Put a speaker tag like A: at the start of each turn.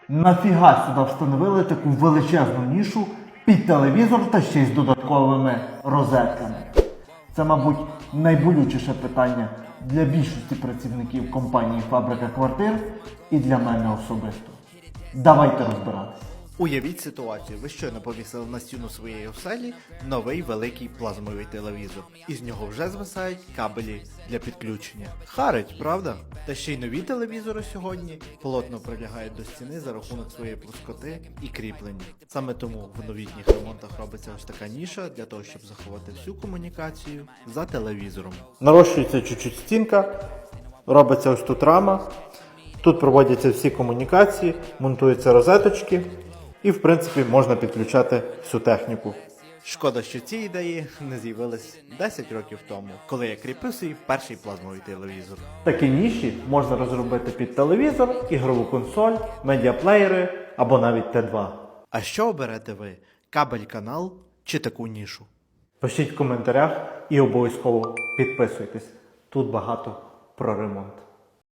A: Нафіга сюди встановили таку величезну нішу під телевізор та ще й з додатковими розетками? Це, мабуть, найболючіше питання для більшості працівників компанії «Фабрика квартир» і для мене особисто. Давайте розбиратися.
B: Уявіть ситуацію, ви щойно повісили на стіну своєї оселі новий великий плазмовий телевізор. Із нього вже звисають кабелі для підключення. Харить, правда? Та ще й нові телевізори сьогодні плотно прилягають до стіни за рахунок своєї плоскоти і кріплення. Саме тому в новітніх ремонтах робиться ось така ніша для того, щоб заховати всю комунікацію за телевізором. Нарощується чуть-чуть стінка, робиться ось тут рама, тут проводяться всі комунікації, монтуються розеточки. І, в принципі, можна підключати всю техніку. Шкода, що ці ідеї не з'явились 10 років тому, коли я кріпив свій перший плазмовий телевізор.
A: Такі ніші можна розробити під телевізор, ігрову консоль, медіаплеєри або навіть Т2.
B: А що оберете ви? Кабель-канал чи таку нішу?
A: Пишіть в коментарях і обов'язково підписуйтесь. Тут багато про ремонт.